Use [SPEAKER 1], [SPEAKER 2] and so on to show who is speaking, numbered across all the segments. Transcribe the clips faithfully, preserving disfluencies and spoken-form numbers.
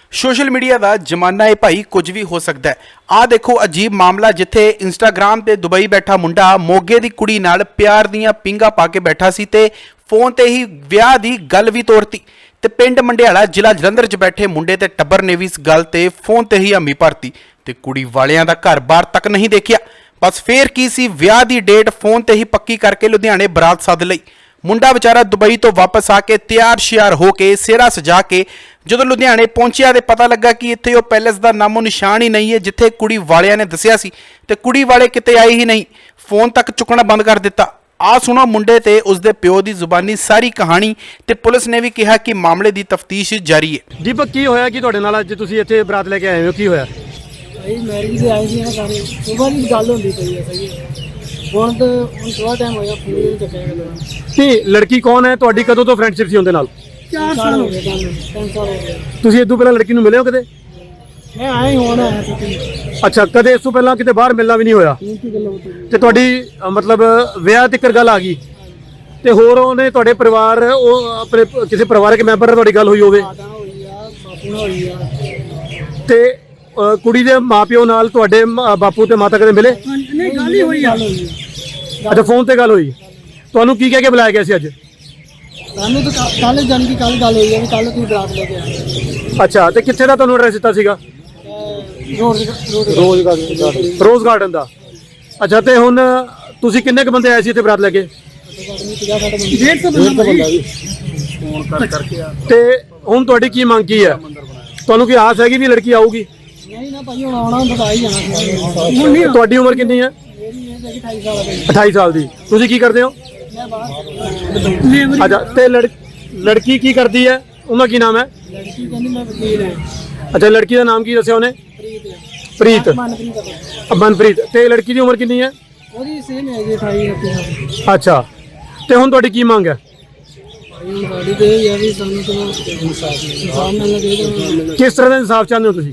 [SPEAKER 1] Social media का जमाना है भाई, कुछ भी हो सकता है। आ देखो अजीब मामला जिथे इंस्टाग्राम ते दुबई बैठा मुंडा मोगे दी कुड़ी नाल प्यार दियां पिंगा पा के बैठा सी ते फोन ते ही विआह दी गल भी तोड़ती ते पिंड मंडियाला जिला जलंधर च बैठे मुंडे ते टब्बर ने भी इस गल ते फोन ते ही हमी भरती ते कुड़ी वालियां दा घर बार तक नहीं देखिया। बस फिर की सी विआह दी डेट फोन ते ही पक्की करके लुधियाने बरात सद लई। मुंडा बेचारा दुबई तो वापस आके तैयार श्यार होके सेहरा सजा के जो लुधियाने पहुंचिया तो पता लगा कि इत्थे वो पैलेस का नामो निशान ही नहीं है जिथे कुड़ी वालियां ने दसिया सी ते कुड़ी वाले किते आए ही नहीं, फोन तक चुकना बंद कर दिता। आ सुनो मुंडे ते उसदे प्यो दी जुबानी सारी कहानी ते पुलिस ने भी कहा कि मामले की तफ्तीश जारी है।
[SPEAKER 2] दीपक की होया कि तुहाडे नाल अज तुसीं इत्थे बरात लेके आए हो, की होया?
[SPEAKER 3] भाई मैरिज से आए थे ना सारे सुबह की गल होंदी पई है। सही है ਹੁਣ तो ਹੁਣ थोड़ा टाइम होया फोन नहीं चुकया।
[SPEAKER 2] ਤੇ ਲੜਕੀ ਕੌਣ ਹੈ ਤੁਹਾਡੀ? ਕਦੋਂ ਤੋਂ ਫਰੈਂਡਸ਼ਿਪ ਸੀ ਉਹਦੇ ਨਾਲ?
[SPEAKER 3] चार साल हो गए, तीन साल हो गए।
[SPEAKER 2] ਤੁਸੀਂ ਇਸ ਤੋਂ ਪਹਿਲਾਂ ਲੜਕੀ ਨੂੰ ਮਿਲੇ ਹੋ ਕਦੇ?
[SPEAKER 3] मैं आए होना है तो
[SPEAKER 2] ਅੱਛਾ, ਕਦੇ ਇਸ ਤੋਂ ਪਹਿਲਾਂ ਕਿਤੇ ਬਾਹਰ ਮਿਲਣਾ ਵੀ ਨਹੀਂ ਹੋਇਆ
[SPEAKER 3] की गल होती
[SPEAKER 2] ਤੇ ਤੁਹਾਡੀ ਅ, ਮਤਲਬ ਵਿਆਹ ਤੱਕ ਗੱਲ ਆ ਗਈ ਤੇ ਹੋਰ ਉਹਨੇ ਤੁਹਾਡੇ ਪਰਿਵਾਰ ਉਹ ਆਪਣੇ ਕਿਸੇ ਪਰਿਵਾਰਕ ਮੈਂਬਰ ਨਾਲ ਤੁਹਾਡੀ ਗੱਲ ਹੋਈ ਹੋਵੇ
[SPEAKER 3] माता होई आ बापू ना होई आ
[SPEAKER 2] ਤੇ ਅ, ਕੁੜੀ ਦੇ ਮਾਪਿਓ ਨਾਲ ਤੁਹਾਡੇ ਮ- ਬਾਪੂ ਤੇ ਮਾਤਾ ਕਦੇ ਮਿਲੇ?
[SPEAKER 3] नहीं गल ही होई आ
[SPEAKER 2] ਅੱਛਾ, ਫੋਨ ਤੇ ਗੱਲ ਹੋਈ। ਤੁਹਾਨੂੰ ਕੀ ਕਹਿ ਕੇ ਬੁਲਾਇਆ ਗਿਆ ਸੀ ਅੱਜ?
[SPEAKER 3] ਸਾਨੂੰ ਤਾਂ ਕੱਲ ਜਾਣ ਦੀ ਕੱਲ ਗੱਲ ਹੋਈ ਹੈ ਵੀ ਕੱਲ ਤੁਸੀਂ ਬਰਾਤ ਲੈ ਕੇ ਆਏ।
[SPEAKER 2] ਅੱਛਾ, ਤੇ ਕਿੱਥੇ ਦਾ ਤੁਹਾਨੂੰ ਐਡਰੈਸ ਦਿੱਤਾ ਸੀਗਾ?
[SPEAKER 3] Road road
[SPEAKER 2] rose garden rose garden ਦਾ। ਅੱਛਾ, ਤੇ ਹੁਣ ਤੁਸੀਂ ਕਿੰਨੇ ਕ ਬੰਦੇ ਆਏ ਸੀ ਇੱਥੇ ਬਰਾਤ ਲੈ ਕੇ?
[SPEAKER 3] डेढ़ सौ बंदा जी
[SPEAKER 2] ਫੋਨ ਕਰ ਕਰਕੇ ਆ। ਤੇ ਹੁਣ ਤੁਹਾਡੀ ਕੀ ਮੰਗ ਕੀ ਹੈ? ਤੁਹਾਨੂੰ ਕੀ ਆਸ ਹੈਗੀ ਵੀ ਲੜਕੀ ਆਊਗੀ?
[SPEAKER 3] नहीं ना भाई ਹੁਣ ਆਉਣਾ ਬਤਾ ਹੀ ਜਾਣਾ ਸੀ। ਹੁਣ ਨਹੀਂ
[SPEAKER 2] ਤੁਹਾਡੀ ਉਮਰ ਕਿੰਨੀ ਹੈ?
[SPEAKER 3] ਮੇਰੀ ਇਹ ਹੈਗੀ ਅਠਾਈ ਸਾਲ ਦੀ।
[SPEAKER 2] ਅਠਾਈ ਸਾਲ ਦੀ। ਤੁਸੀਂ ਕੀ ਕਰਦੇ ਹੋ?
[SPEAKER 3] ਮੈਂ ਬਾਹਰ ਲੇਬਰ
[SPEAKER 2] ਅੱਛਾ, ਤੇ ਲੜ ਲੜਕੀ ਕੀ ਕਰਦੀ ਹੈ? ਉਹਦਾ ਕੀ ਨਾਮ ਹੈ?
[SPEAKER 3] ਲੜਕੀ ਕਹਿੰਦੀ ਮੈਂ ਵਕੀਲ ਹਾਂ।
[SPEAKER 2] ਅੱਛਾ, ਲੜਕੀ ਦਾ ਨਾਮ ਕੀ ਦੱਸਿਆ ਉਹਨੇ?
[SPEAKER 3] ਪ੍ਰੀਤ
[SPEAKER 2] ਪ੍ਰੀਤ।
[SPEAKER 3] ਮਨਪ੍ਰੀਤ ਆ।
[SPEAKER 2] ਮਨਪ੍ਰੀਤ। ਤੇ ਲੜਕੀ ਦੀ ਉਮਰ ਕਿੰਨੀ ਹੈ?
[SPEAKER 3] ਉਹਦੀ ਸੇਮ ਹੈ ਜੀ ਅਠਾਈ ਉਨੱਤੀ ਸਾਲ।
[SPEAKER 2] ਅੱਛਾ, ਤੇ ਹੁਣ ਤੁਹਾਡੀ ਕੀ ਮੰਗ ਹੈ?
[SPEAKER 3] ਭਾਈ ਸਾਡੀ ਤੇ ਇਹ ਹੈ ਵੀ ਸਾਨੂੰ ਤਾਂ ਇਨਸਾਫ ਇਨਸਾਫ ਮਿਲਣਾ ਚਾਹੀਦਾ।
[SPEAKER 2] ਕਿਸ ਤਰ੍ਹਾਂ ਦਾ ਇਨਸਾਫ ਚਾਹੁੰਦੇ ਹੋ ਤੁਸੀਂ?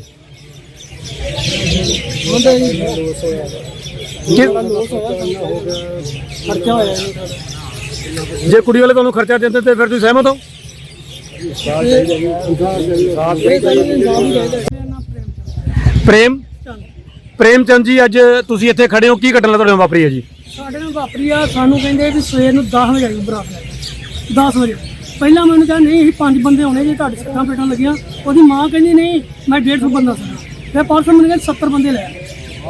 [SPEAKER 3] ਹੁੰਦਾ ਜੀ ਲੋਸ ਹੋਇਆ
[SPEAKER 2] ਕਿ-
[SPEAKER 3] ਲੋਸ ਹੋਇਆ ਖਰਚਾ ਹੋਇਆ ਜੀ ਸਾਡਾ।
[SPEAKER 2] ਜੇ ਕੁੜੀ ਵਾਲੇ ਤੁਹਾਨੂੰ ਖਰਚਾ ਦਿੰਦੇ ਤੇ ਫਿਰ ਤੁਸੀਂ ਸਹਿਮਤ ਹੋ?
[SPEAKER 3] ਇਹ ਸਾਨੂੰ ਇਨਸਾਫ ਹੀ ਚਾਹੀਦਾ।
[SPEAKER 2] ਪ੍ਰੇਮ ਪ੍ਰੇਮ ਚੰਦ ਜੀ, ਅੱਜ ਤੁਸੀਂ ਇੱਥੇ ਖੜੇ ਹੋ, ਕੀ ਘਟਨਾ ਤੁਹਾਡੇ ਨਾਲ ਵਾਪਰੀ ਹੈ ਜੀ?
[SPEAKER 3] ਸਾਡੇ ਨਾਲ ਵਾਪਰੀ ਆ, ਸਾਨੂੰ ਕਹਿੰਦੇ ਵੀ ਸਵੇਰ ਨੂੰ ਦਸ ਵਜੇ ਆਈ ਬਰਾਤ ਲੈ ਕੇ। ਦਸ ਵਜੇ ਪਹਿਲਾਂ ਮੈਨੂੰ ਕਿਹਾ ਨਹੀਂ ਅਸੀਂ ਪੰਜ ਬੰਦੇ ਹੋਣੇ ਜੀ, ਤੁਹਾਡੇ ਸੱਟਾਂ ਪੇਟਾਂ ਲੱਗੀਆਂ। ਉਹਦੀ ਮਾਂ ਕਹਿੰਦੀ ਨਹੀਂ ਮੈਂ ਡੇਢ ਸੌ ਬੰਦਾ ਸੀ। ਫਿਰ ਪਰਸੋਂ ਮੈਨੂੰ ਕਹਿੰਦੇ ਸੱਤਰ ਬੰਦੇ ਲੈ ਆਏ।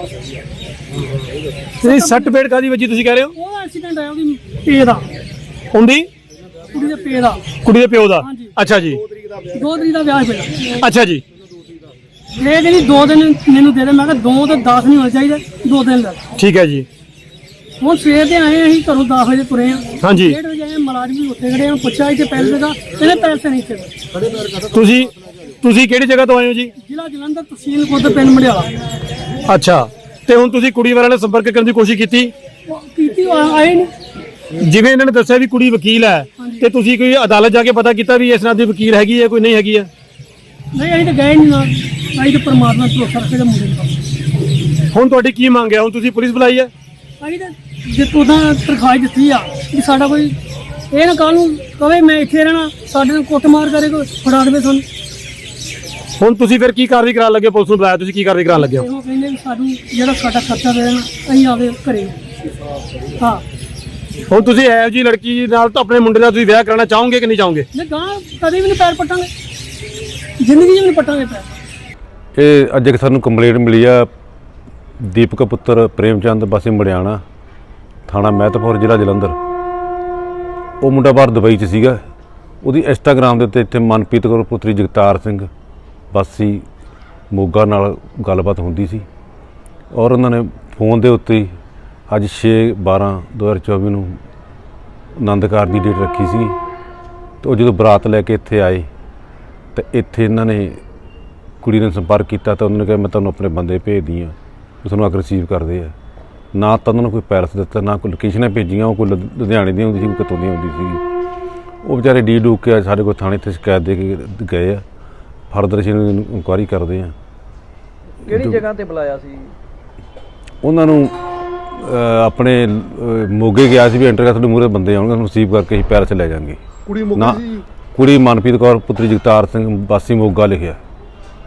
[SPEAKER 2] ਤੁਸੀਂ ਸੱਟ ਪੇੜ ਕਾਦੀ ਵਜੀ ਤੁਸੀਂ ਕਹਿ ਰਹੇ ਹੋ?
[SPEAKER 3] ਉਹ ਐਕਸੀਡੈਂਟ ਆਇਆ ਉਹਦੀ ਪੇ ਦਾ,
[SPEAKER 2] ਹੁੰਦੀ
[SPEAKER 3] ਕੁੜੀ ਦੇ ਪੇ ਦਾ।
[SPEAKER 2] ਕੁੜੀ ਦੇ ਪਿਓ ਦਾ?
[SPEAKER 3] ਹਾਂਜੀ।
[SPEAKER 2] ਅੱਛਾ ਜੀ।
[SPEAKER 3] ਦੋ ਤਰੀਕ ਦਾ ਵਿਆਹ ਪਿਆ।
[SPEAKER 2] ਅੱਛਾ ਜੀ।
[SPEAKER 3] ਇਹ ਕਹਿੰਦੀ ਦੋ ਦਿਨ ਮੈਨੂੰ ਦੇ ਦੇ। ਮੈਂ ਕਿਹਾ ਦੋ ਤੇ ਦਸ ਨਹੀਂ ਹੋਣੇ ਚਾਹੀਦੇ, ਦੋ ਦਿਨ ਲੈ।
[SPEAKER 2] ਠੀਕ ਹੈ ਜੀ।
[SPEAKER 3] ਹੁਣ ਸਵੇਰ ਦੇ ਆਏ ਅਸੀਂ ਘਰੋਂ ਦਸ ਵਜੇ ਤੁਰੇ ਆ।
[SPEAKER 2] ਹਾਂਜੀ।
[SPEAKER 3] ਡੇਢ ਵਜੇ ਆਏ, ਮੁਲਾਜ਼ਮ ਵੀ ਉੱਥੇ ਖੜੇ ਆ। ਪੁੱਛਿਆ ਇੱਥੇ ਪੈਸੇ ਦਾ, ਇਹਨੇ ਪੈਸੇ ਨਹੀਂ ਇੱਥੇ।
[SPEAKER 2] ਤੁਸੀਂ ਤੁਸੀਂ ਕਿਹੜੀ ਜਗ੍ਹਾ ਤੋਂ ਆਏ ਹੋ ਜੀ?
[SPEAKER 3] ਜ਼ਿਲ੍ਹਾ ਜਲੰਧਰ, ਤਹਿਸੀਲ ਖੁਦ, ਪਿੰਡ ਮੰਡਿਆਲਾ।
[SPEAKER 2] ਅੱਛਾ, ਤੇ ਹੁਣ ਤੁਸੀਂ ਕੁੜੀ ਵਾਲਿਆਂ ਨਾਲ ਸੰਪਰਕ ਕਰਨ ਦੀ ਕੋਸ਼ਿਸ਼ ਕੀਤੀ?
[SPEAKER 3] ਉਹ ਕੀਤੀ ਉਹ ਆਏ ਨਹੀਂ।
[SPEAKER 2] ਜਿਵੇਂ ਇਹਨਾਂ ਨੇ ਦੱਸਿਆ ਵੀ ਕੁੜੀ ਵਕੀਲ ਹੈ, ਤੇ ਤੁਸੀਂ ਕੋਈ ਅਦਾਲਤ ਜਾ ਕੇ ਪਤਾ ਕੀਤਾ ਵੀ ਇਸ ਨਾਲ ਦੀ ਵਕੀਲ ਹੈਗੀ ਹੈ ਕੋਈ ਨਹੀਂ ਹੈਗੀ ਹੈ?
[SPEAKER 3] ਨਹੀਂ ਅਸੀਂ ਤਾਂ ਗਏ ਨਹੀਂ ਨਾ, ਅਸੀਂ ਤਾਂ ਪਰਮਾਤਮਾ ਤੋਂ ਭਰੋਸਾ ਰੱਖੇ ਦੇ ਮੁੰਡੇ ਨੂੰ।
[SPEAKER 2] ਹੁਣ ਤੁਹਾਡੀ ਕੀ ਮੰਗ ਹੈ? ਹੁਣ ਤੁਸੀਂ ਪੁਲਿਸ ਬੁਲਾਈ ਹੈ?
[SPEAKER 3] ਅਸੀਂ ਤਾਂ ਜਿੱਤੋਂ ਦਾ ਤਰਖਾਈ ਦਿੱਤੀ ਆ ਕਿ ਸਾਡਾ ਕੋਈ ਇਹ ਨਾ ਕੱਲ੍ਹ ਨੂੰ ਕਵੇ ਮੈਂ ਇੱਥੇ ਰਹਿਣਾ, ਸਾਡੇ ਨਾਲ ਕੁੱਟਮਾਰ ਕਰੇ, ਕੋਈ ਫੜਾ ਦੇਵੇ ਸਾਨੂੰ।
[SPEAKER 2] ਹੁਣ ਤੁਸੀਂ ਫਿਰ ਕੀ ਕਾਰਵਾਈ ਕਰਾਉਣ ਲੱਗੇ? ਪੁਲਿਸ ਨੂੰ ਬੁਲਾਇਆ, ਤੁਸੀਂ ਕੀ ਕਾਰਵਾਈ ਕਰਾਉਣ ਲੱਗੇ ਹੋ?
[SPEAKER 3] ਉਹ ਕਹਿੰਦੇ ਵੀ ਸਾਨੂੰ ਜਿਹੜਾ ਸਾਡਾ ਖਰਚਾ ਦੇ ਦੇਣਾ, ਅਸੀਂ ਆਵੇ ਘਰੇ। ਹਾਂ,
[SPEAKER 2] ਹੁਣ ਤੁਸੀਂ ਇਹੋ ਜਿਹੀ ਲੜਕੀ ਨਾਲ ਤਾਂ ਆਪਣੇ ਮੁੰਡੇ ਦਾ ਤੁਸੀਂ ਵਿਆਹ ਕਰਾਉਣਾ ਚਾਹੋਗੇ ਕਿ ਨਹੀਂ ਚਾਹੋਗੇ?
[SPEAKER 3] ਨਹੀਂ ਗਾਂ ਕਦੇ ਵੀ ਨਹੀਂ ਪੈਰ ਪੱਟਾਂਗੇ, ਜ਼ਿੰਦਗੀ 'ਚ ਵੀ ਨਹੀਂ ਪੱਟਾਂਗੇ ਪੈਰ।
[SPEAKER 4] ਇਹ ਅੱਜ ਇੱਕ ਸਾਨੂੰ ਕੰਪਲੇਂਟ ਮਿਲੀ ਆ ਦੀਪਕ ਪੁੱਤਰ ਪ੍ਰੇਮਚੰਦ ਵਾਸੀ ਮੜਿਆਣਾ, ਥਾਣਾ ਮਹਿਤਪੁਰ, ਜ਼ਿਲ੍ਹਾ ਜਲੰਧਰ। ਉਹ ਮੁੰਡਾ ਬਾਹਰ ਦੁਬਈ 'ਚ ਸੀਗਾ। ਉਹਦੀ ਇੰਸਟਾਗ੍ਰਾਮ ਦੇ ਉੱਤੇ ਇੱਥੇ ਮਨਪ੍ਰੀਤ ਕੌਰ ਪੁੱਤਰੀ ਜਗਤਾਰ ਸਿੰਘ ਵਾਸੀ ਮੋਗਾ ਨਾਲ ਗੱਲਬਾਤ ਹੁੰਦੀ ਸੀ, ਔਰ ਉਹਨਾਂ ਨੇ ਫੋਨ ਦੇ ਉੱਤੇ ਹੀ ਅੱਜ ਛੇ ਬਾਰਾਂ ਦੋ ਹਜ਼ਾਰ ਚੌਵੀ ਨੂੰ ਆਨੰਦ ਕਾਰਜ ਦੀ ਡੇਟ ਰੱਖੀ ਸੀ। ਅਤੇ ਉਹ ਜਦੋਂ ਬਰਾਤ ਲੈ ਕੇ ਇੱਥੇ ਆਏ ਤਾਂ ਇੱਥੇ ਇਹਨਾਂ ਨੇ ਕੁੜੀ ਨੇ ਸੰਪਰਕ ਕੀਤਾ ਤਾਂ ਉਹਨਾਂ ਨੇ ਕਿਹਾ ਮੈਂ ਤੁਹਾਨੂੰ ਆਪਣੇ ਬੰਦੇ ਭੇਜਦੀ ਹਾਂ, ਉਹ ਤੁਹਾਨੂੰ ਆ ਕੇ ਰਿਸੀਵ ਕਰਦੇ ਆ। ਨਾ ਤਾਂ ਉਹਨਾਂ ਨੂੰ ਕੋਈ ਪੈਰਸ ਦਿੱਤਾ, ਨਾ ਕੋਈ ਲੋਕੇਸ਼ਨਾਂ ਭੇਜੀਆਂ। ਉਹ ਕੋਈ ਲੁ- ਲੁਧਿਆਣੇ ਦੀ ਹੁੰਦੀ ਸੀ, ਕੋਈ ਕਿਤੋਂ ਦੀ ਹੁੰਦੀ ਸੀ। ਉਹ ਵਿਚਾਰੇ ਡੀ ਡੂਕ ਕੇ ਸਾਡੇ ਕੋਲ ਥਾਣੇ 'ਤੇ ਸ਼ਿਕਾਇਤ ਦੇ ਕੇ ਗਏ ਆ। ਫਰਦਰ ਅਸੀਂ ਇਹਨਾਂ ਨੂੰ ਇਨਕੁਆਇਰੀ ਕਰਦੇ ਹਾਂ।
[SPEAKER 5] ਕਿਹੜੀ ਜਗ੍ਹਾ ਤੇ ਬੁਲਾਇਆ ਸੀ?
[SPEAKER 4] ਉਹਨਾਂ ਨੂੰ ਅ, ਆਪਣੇ ਅ, ਮੋਗੇ ਗਿਆ ਸੀ ਵੀ ਐਂਟਰ ਕਰ ਤੁਹਾਡੇ ਮੂਹਰੇ ਬੰਦੇ ਆਉਣਗੇ, ਉਹਨੂੰ ਰਿਸੀਵ ਕਰਕੇ ਅਸੀਂ ਪੈਰਸ ਲੈ ਜਾਵਾਂਗੇ।
[SPEAKER 5] ਕੁੜੀ
[SPEAKER 4] ਨਾ ਕੁੜੀ ਮਨਪ੍ਰੀਤ ਕੌਰ ਪੁੱਤਰੀ ਜਗਤਾਰ ਸਿੰਘ ਵਾਸੀ ਮੋਗਾ ਲਿਖਿਆ।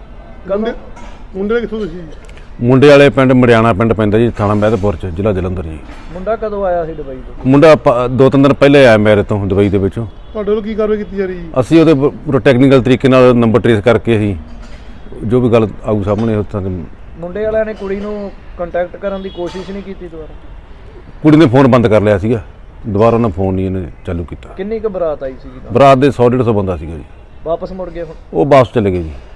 [SPEAKER 5] ਕਦੋਂ
[SPEAKER 2] ਮੁੰਡੇ ਕਿੱਥੋਂ ਤੁਸੀਂ?
[SPEAKER 4] ਮੁੰਡੇ ਵਾਲੇ ਪਿੰਡ ਮੜਿਆਣਾ ਪਿੰਡ ਪੈਂਦਾ ਜੀ, ਥਾਣਾ ਮਹਿਤਪੁਰ ਚ, ਜ਼ਿਲ੍ਹਾ ਜਲੰਧਰ ਜੀ।
[SPEAKER 5] ਮੁੰਡਾ ਕਦੋਂ ਆਇਆ ਸੀ ਦੁਬਈ ਤੋਂ?
[SPEAKER 4] ਮੁੰਡਾ ਪ- ਦੋ ਤਿੰਨ ਦਿਨ ਪਹਿਲੇ ਆਇਆ ਮੇਰੇ ਤੋਂ ਦੁਬਈ ਦੇ ਵਿੱਚੋਂ।
[SPEAKER 2] ਤੁਹਾਡੇ ਵੱਲੋਂ ਕੀ ਕਾਰਵਾਈ ਕੀਤੀ ਜਾ ਰਹੀ ਹੈ?
[SPEAKER 4] ਅਸੀਂ ਉਹਦੇ ਪੂਰਾ ਟੈਕਨੀਕਲ ਤਰੀਕੇ ਨਾਲ ਨੰਬਰ ਟ੍ਰੇਸ ਕਰਕੇ ਅਸੀਂ ਜੋ ਵੀ ਗੱਲ ਆਊ ਸਾਹਮਣੇ ਉੱਥਾਂ ਦੇ
[SPEAKER 5] ਮੁੰਡੇ ਵਾਲਿਆਂ ਨੇ ਕੁੜੀ ਨੂੰ ਕੰਟੈਕਟ ਕਰਨ ਦੀ ਕੋਸ਼ਿਸ਼ ਨਹੀਂ ਕੀਤੀ ਦੁਬਾਰਾ?
[SPEAKER 4] ਕੁੜੀ ਨੇ ਫੋਨ ਬੰਦ ਕਰ ਲਿਆ ਸੀਗਾ, ਦੁਬਾਰਾ ਉਹਨਾਂ ਫੋਨ ਨਹੀਂ ਇਹਨੇ ਚਾਲੂ ਕੀਤਾ।
[SPEAKER 5] ਕਿੰਨੀ ਕੁ ਬਰਾਤ ਆਈ ਸੀਗੀ?
[SPEAKER 4] ਬਰਾਤ ਦੇ ਸੌ ਡੇਢ ਸੌ ਬੰਦਾ ਸੀਗਾ ਜੀ।
[SPEAKER 5] ਵਾਪਸ ਮੁੜ ਗਏ ਹੁਣ?
[SPEAKER 4] ਉਹ ਵਾਪਸ ਚਲੇ ਗਏ ਜੀ।